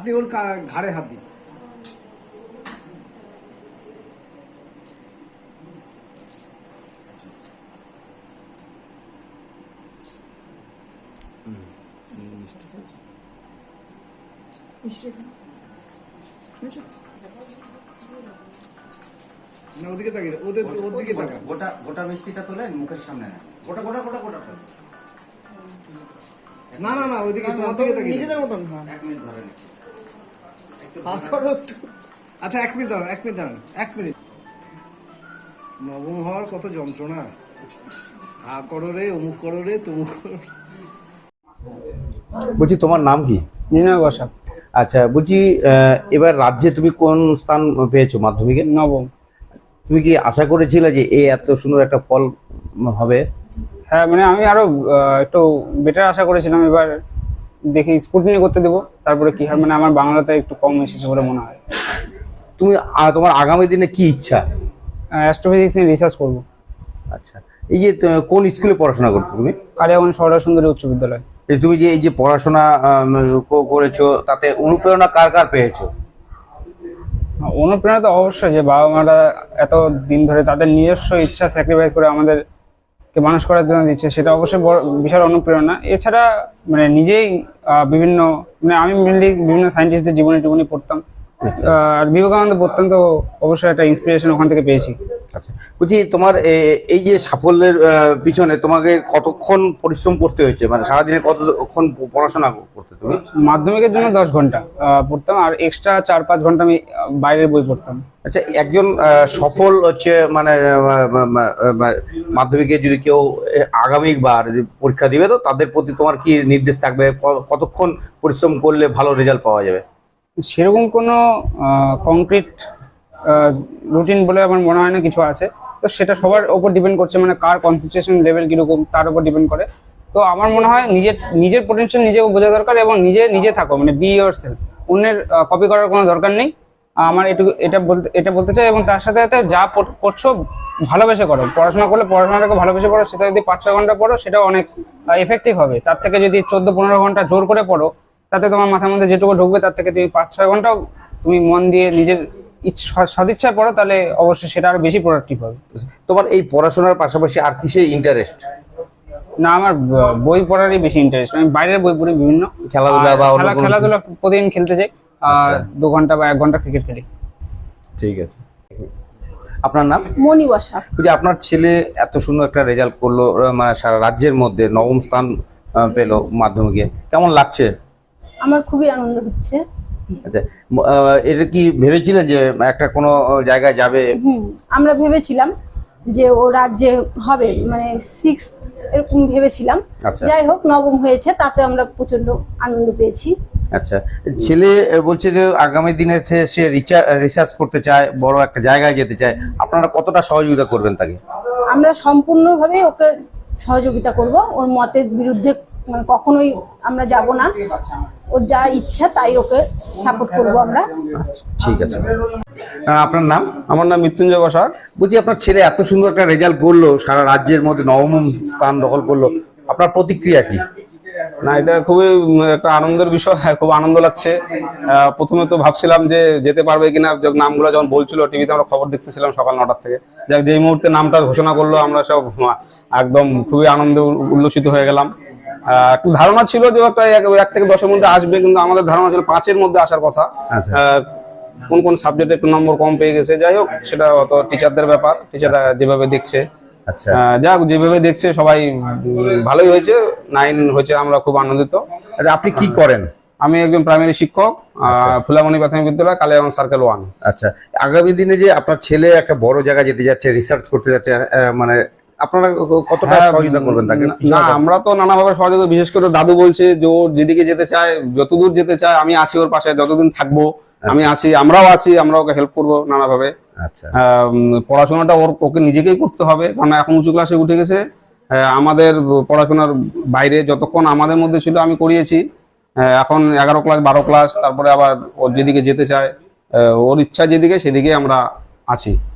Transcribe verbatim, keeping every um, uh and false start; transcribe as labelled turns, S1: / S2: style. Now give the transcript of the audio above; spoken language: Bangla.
S1: আপনি ওর ঘাড়ে হাত দিন। না ওদিকে তাকিয়ে ওদের ওদিকে তাকা।
S2: গোটা গোটা মিষ্টিটা তোলে মুখের সামনে না, গোটা গোটা গোটা গোটা তোলে।
S1: না না না ওইদিকে তোমার দিকে তাকিয়ে
S3: নিজেদের মতন।
S2: এক মিনিট ধরে নিচ্ছি।
S1: আচ্ছা এক মিনিট দাঁড়ান, এক মিনিট দাঁড়ান, এক মিনিট। নবম হওয়ার কত যন্ত্রণা, হা করো রে, অমুক করো রে, তমুক করো।
S4: বলছি তোমার নাম কি?
S3: নির্ণয় বসা।
S4: আচ্ছা বলছি এবার রাজ্যে তুমি কোন স্থান পেয়েছো মাধ্যমিকে?
S3: নবম।
S4: তুমি কি আশা করেছিলে যে এই এত সুন্দর একটা ফল হবে?
S3: হ্যাঁ মানে আমি আরো একটু বেটার আশা করেছিলাম। এবার দেখি স্কুটিনি করতে দেবো, তারপরে কি হয়। মানে আমার বাংলাতে একটু কম এসেছে বলে মনে হয়।
S4: তুমি তোমার আগামী দিনে কি ইচ্ছা?
S3: অ্যাস্ট্রোফিজিক্স নিয়ে রিসার্চ করবো।
S4: আচ্ছা এই যে কোন স্কুলে পড়াশোনা করছো তুমি?
S3: কালিয়াগঞ্জ সরলা সুন্দরী উচ্চ বিদ্যালয়।
S4: এই তুমি যে এই যে পড়াশোনা করেছো তাতে অনুপ্রেরণা কার কার পেয়েছো?
S3: অনুপ্রেরণা তো অবশ্যই, যে বাবা মারা এত দিন ধরে তাদের নিজস্ব ইচ্ছা স্যাক্রিফাইস করে আমাদেরকে মানুষ করার জন্য দিচ্ছে, সেটা অবশ্যই বড় বিশাল অনুপ্রেরণা। এছাড়া মানে নিজেই বিভিন্ন মানে আমি মেনলি বিভিন্ন সায়েন্টিস্টদের জীবনী টিবনী পড়তাম, আর বিবেকানন্দ পড়তাম, তো অবশ্যই একটা ইন্সপিরেশন ওখান থেকে পেয়েছি।
S4: আচ্ছা বলছি তোমার এই যে সাফল্যের পিছনে তোমাকে কতক্ষণ পরিশ্রম করতে হয়েছে, মানে সারাদিনে কতক্ষণ পড়াশোনা করতে তুমি?
S3: মাধ্যমিকের জন্য দশ ঘন্টা পড়তাম, আর এক্সট্রা চার পাঁচ ঘন্টা আমি বাইরের বই পড়তাম।
S4: আচ্ছা একজন সফল হচ্ছে মানে মাধ্যমিকে যদি কেউ আগামীবার পরীক্ষা দিবে, তো তাদের প্রতি তোমার কি নির্দেশ থাকবে, কতক্ষণ পরিশ্রম করলে ভালো রেজাল্ট পাওয়া যাবে?
S3: সেরকম কোনো কংক্রিট রুটিন বলে আমার মনে হয় না কিছু আছে, তো সেটা সবার ওপর ডিপেন্ড করছে, মানে কার কনসেন্ট্রেশন লেভেল কীরকম তার উপর ডিপেন্ড করে। তো আমার মনে হয় নিজের নিজের পোটেনশিয়াল নিজেকে বোঝা দরকার, এবং নিজে নিজে থাকো, মানে বি ইয়োর সেলফ। অন্যের কপি করার কোনো দরকার নেই আমার, এটুকু এটা বলতে এটা বলতে চাই। এবং তার সাথে সাথে যা করছো ভালোবেসে করো, পড়াশোনা করলে পড়াশোনাটাকে ভালোবেসে পড়ো, সেটা যদি পাঁচ ছয় ঘন্টা পড়ো সেটাও অনেক এফেক্টিভ হবে। তার থেকে যদি চোদ্দ পনেরো ঘন্টা জোর করে পড়ো, তাতে তোমার মাথার মধ্যে যেটুকু ঢুকবে তার থেকে তুমি পাঁচ ছয় ঘন্টাও তুমি মন দিয়ে নিজের সদিচ্ছায় পড়ো, তাহলে অবশ্যই সেটা আরো বেশি প্রোডাক্টিভ হবে।
S4: তোমার এই পড়াশোনার পাশাপাশি আর কিসে ইন্টারেস্ট?
S3: না আমার বই পড়ারই বেশি ইন্টারেস্ট। আমি বাইরের বই পড়ি, বিভিন্ন
S4: খেলাধুলা বা
S3: খেলাধুলা প্রতিদিন খেলতে যাই, আর দু ঘন্টা বা এক ঘন্টা ক্রিকেট খেলি।
S4: ঠিক আছে। আপনার নাম?
S5: মনি বসা।
S4: যে আপনার ছেলে এত সুন্দর একটা রেজাল্ট করলো, মানে সারা রাজ্যের মধ্যে নবম স্থান পেলো মাধ্যমিকে, কেমন লাগছে?
S5: আমার খুবই আনন্দ হচ্ছে।
S4: আচ্ছা এটা কি ভেবেছিলেন যে একটা কোনো জায়গায় যাবে?
S5: হুম আমরা ভেবেছিলাম যে ও রাজ্যে হবে, মানে সিক্স এরকম ভেবেছিলাম। যাই হোক নবম হয়েছে, তাতে আমরা প্রচন্ড আনন্দ পেয়েছি।
S4: আচ্ছা ছেলে বলছে যে আগামী দিনে সে রিসার্চ করতে চায়, বড় একটা জায়গায় যেতে চায়, আপনারা কতটা সহযোগিতা করবেন তাকে?
S5: আমরা সম্পূর্ণভাবে ওকে সহযোগিতা করব, ওর মতের বিরুদ্ধে মানে কখনোই আমরা যাব না। ওর যা ইচ্ছা তাই ওকে সাপোর্ট করব আমরা।
S4: ঠিক আছে। আপনার নাম?
S6: আমার নাম মৃত্যুঞ্জয় বসা।
S4: বলছি আপনার ছেলে এত সুন্দর একটা রেজাল্ট করলো, সারা রাজ্যের মধ্যে নবম স্থান দখল করলো, আপনার প্রতিক্রিয়া কি?
S6: না এটা খুবই একটা আনন্দের বিষয়, খুব আনন্দ লাগছে। প্রথমে তো ভাবছিলাম যে যেতে পারবে কিনা, নামগুলো যখন বলছিল টিভিতে আমরা খবর দেখতেছিলাম সকাল নটার থেকে, যাক যেই মুহূর্তে নামটা ঘোষণা করলো আমরা সব একদম খুবই আনন্দে উল্লসিত হয়ে গেলাম। একটু ধারণা ছিল যে একটা এক থেকে দশের মধ্যে আসবে, কিন্তু আমাদের ধারণা ছিল পাঁচের মধ্যে আসার কথা। কোন কোন সাবজেক্টে একটু নম্বর কম পেয়ে গেছে, যাই হোক সেটা হয়তো টিচারদের ব্যাপার, টিচাররা যেভাবে দেখছে।
S4: আচ্ছা
S6: যাক যেভাবে দেখছে সবাই ভালোই হয়েছে, নাইন হয়েছে, আমরা খুব আনন্দিত।
S4: আচ্ছা আপনি কি করেন?
S6: আমি একজন প্রাইমারি শিক্ষক, ফুলামণি প্রাথমিক বিদ্যালয়, কালিয়াগঞ্জ সার্কেল ওয়ান।
S4: আচ্ছা আগামী দিনে যে আপনার ছেলে একটা বড় জায়গায় যেতে যাচ্ছে, রিসার্চ করতে যাচ্ছে, মানে আপনারা কতটা সহযোগিতা করবেন তাকে?
S6: না আমরা তো নানাভাবে সহযোগিতা, বিশেষ করে দাদু বলছে যে ওর যেদিকে যেতে চায়, যতদূর যেতে চায় আমি আছি ওর পাশে, যতদিন থাকবো আমি আছি, আমরাও আছি, আমরা ওকে হেল্প করবো নানাভাবে।
S4: আচ্ছা
S6: পড়াশোনাটা ওর ওকে নিজেকেই করতে হবে, কারণ এখন উঁচু ক্লাসে উঠে গেছে। আমাদের পড়াশোনার বাইরে যতক্ষণ আমাদের মধ্যে ছিল আমি করিয়েছি, এখন এগারো ক্লাস বারো ক্লাস, তারপরে আবার ওর যেদিকে যেতে চায়, ওর ইচ্ছা যেদিকে সেদিকে আমরা আছি।